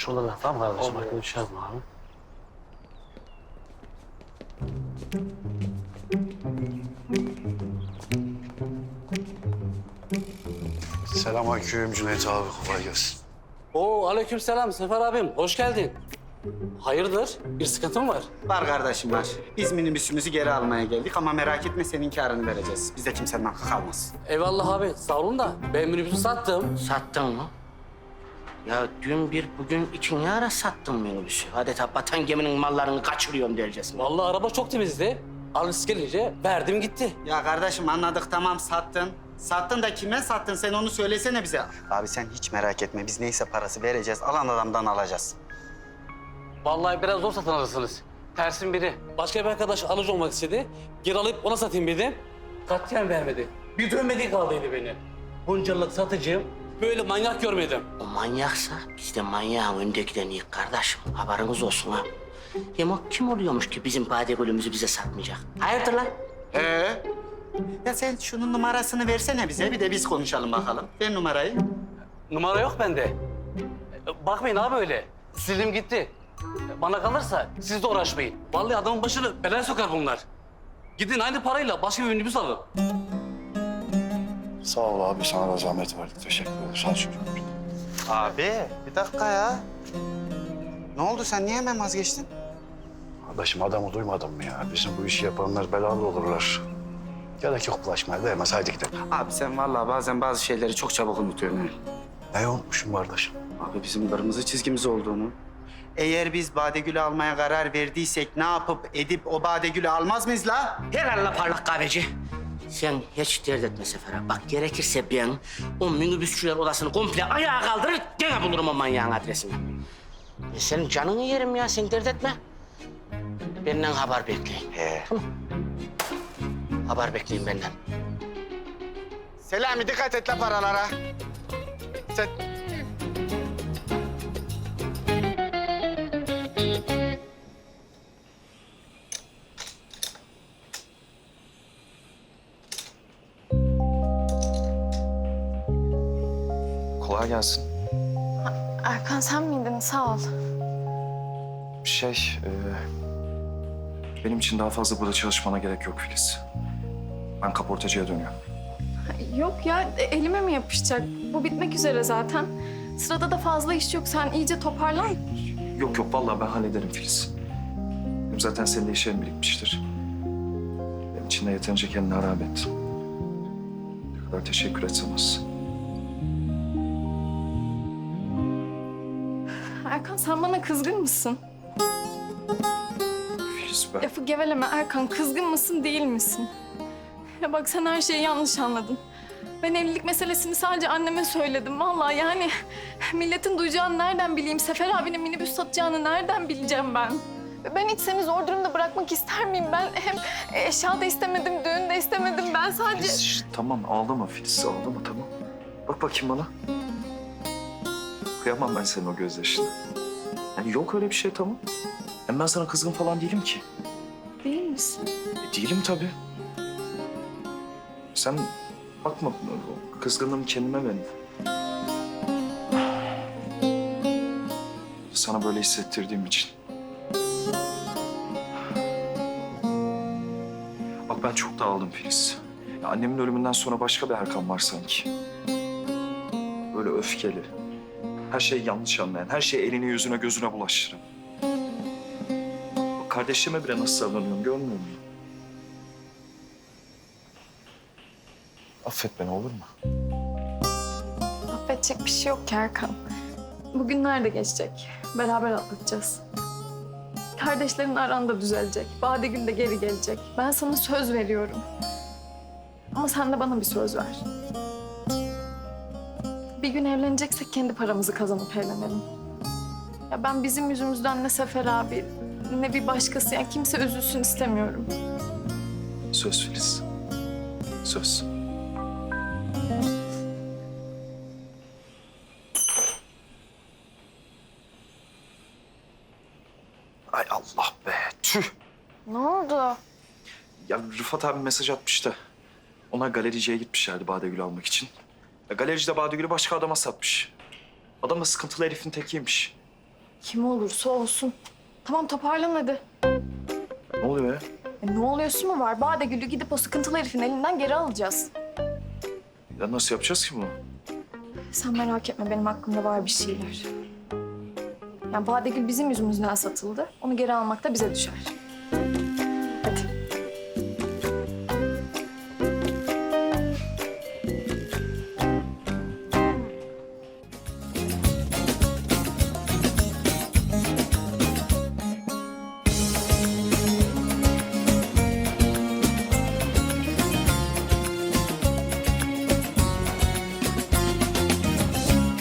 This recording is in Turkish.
Şurada da tamam kardeşim. Bak görüşeceğiz mi abi? Selamünaleyküm Cüneyt abi, kolay gelsin. Oo aleykümselam Sefer abim. Hoş geldin. Hayırdır? Bir sıkıntın var? Var kardeşim var. Biz minibüsümüzü geri almaya geldik ama merak etme senin karını vereceğiz. Bizde kimsenin hakkı kalmaz. Eyvallah abi. Sağ olun da ben minibüsü sattım. Sattın mı? Ya dün bir, bugün iki ne ara sattın minibüsü? Adeta batan geminin mallarını kaçırıyorum dercesine. Vallahi araba çok temizdi. Alıcısı gelince verdim gitti. Ya kardeşim anladık tamam sattın. Sattın da kime sattın sen onu söylesene bize. Abi sen hiç merak etme biz neyse parası vereceğiz. Alan adamdan alacağız. Vallahi biraz zor satın alırsınız. Tersin biri. Başka bir arkadaş alıcı olmak istedi. Geri alıp ona satayım dedim. Katiyen vermedi. Bir dönmediği kaldıydı beni. Bunca yıllık satıcıyım. Böyle manyak görmedim. O manyaksa biz de manyağın öndekilerini kardeşim. Haberiniz olsun ha. Hem o kim oluyormuş ki bizim badegülümüzü bize satmayacak? Hayırdır lan? Ya sen şunun numarasını versene bize bir de biz konuşalım bakalım. Ver numarayı. Numara yok bende. Bakmayın abi öyle. Sildim gitti. Bana kalırsa siz de uğraşmayın. Vallahi adamın başını belaya sokar bunlar. Gidin aynı parayla başka bir minibüs alın. Sağ ol abi, sana da zahmet verdik. Teşekkür ederim. Sağ ol çocuğum. Abi bir dakika ya. Ne oldu sen niye hemen vazgeçtin? Kardeşim adamı duymadın mı ya? Bizim bu işi yapanlar belalı olurlar. Gerek yok bulaşmaya, değmez. Haydi gidelim. Abi sen vallahi bazen bazı şeyleri çok çabuk unutuyorsun. ha. Ne unutmuşum kardeşim? Abi bizim kırmızı çizgimiz olduğunu. Eğer biz Badegül'ü almaya karar verdiysek ne yapıp edip o Badegül'ü almaz mıyız la? Helal parlak kahveci. Sen hiç dert etme Sefer abi. Bak gerekirse ben o minibüsçüler odasını komple ayağa kaldırır, gene bulurum o manyağın adresini. Senin canını yerim ya, sen dert etme. Benden haber bekleyin. Tamam. Haber bekleyin benden. Selami dikkat et la paralara. Sen... Kolay gelsin. Erkan sen miydin? Sağ ol. Benim için daha fazla burada çalışmana gerek yok Filiz. Ben kaportacıya dönüyorum. Yok ya elime mi yapışacak? Bu bitmek üzere zaten. Sırada da fazla iş yok. Sen iyice toparlan. Yok yok, vallahi ben hallederim Filiz. Hem zaten senin de işlerin birikmiştir. Benim için de yeterince kendini harap ettin. Ne kadar teşekkür etsem az. Erkan sen bana kızgın mısın? Filiz ben... Lafı geveleme Erkan. Kızgın mısın değil misin? Ya bak sen her şeyi yanlış anladın. Ben evlilik meselesini sadece anneme söyledim. Vallahi yani milletin duyacağını nereden bileyim? Sefer abinin minibüs satacağını nereden bileceğim ben? Ben hiç seni zor durumda bırakmak ister miyim? Ben hem eşya da istemedim, düğün de istemedim. Ben sadece... Filiz tamam, ağlama Filiz, ağlama tamam. Bak bakayım bana. Kıyamam ben senin o gözyaşına. Yani yok öyle bir şey, tamam. Hem ben sana kızgın falan değilim ki. Değil misin? Değilim tabii. Sen bakma, kızgınlığımı kendime benim. Sana böyle hissettirdiğim için. Bak ben çok dağıldım Filiz. Ya annemin ölümünden sonra başka bir Erkan var sanki. Böyle öfkeli. Her şeyi yanlış anlayan, her şeyi eline yüzüne gözüne bulaştıran. Bak kardeşime bile nasıl davranıyorum görmüyor musun? Affet beni olur mu? Affedecek bir şey yok ki Erkan. Bugünler de geçecek. Beraber atlatacağız. Kardeşlerin aran da düzelecek. Badegül de geri gelecek. Ben sana söz veriyorum. Ama sen de bana bir söz ver. Bir gün evleneceksek kendi paramızı kazanıp evlenelim. Ya ben bizim yüzümüzden ne Sefer abi ne bir başkası yani kimse üzülsün istemiyorum. Söz Filiz. Söz. Ay Allah be, tüh. Ne oldu? Ya Rıfat abi mesaj atmıştı. Onlar galericiye gitmişlerdi Badegül'ü almak için. Ya galerici de Badegül'ü başka adama satmış. Adam da sıkıntılı herifin tekiymiş. Kim olursa olsun. Tamam toparlan hadi. Ne oluyor ya? Ne oluyorsun mu var? Badegül'ü gidip o sıkıntılı herifin elinden geri alacağız. Ya nasıl yapacağız ki bunu? Sen merak etme benim aklımda var bir şeyler. Yani Badegül bizim yüzümüzden satıldı. Onu geri almak da bize düşer.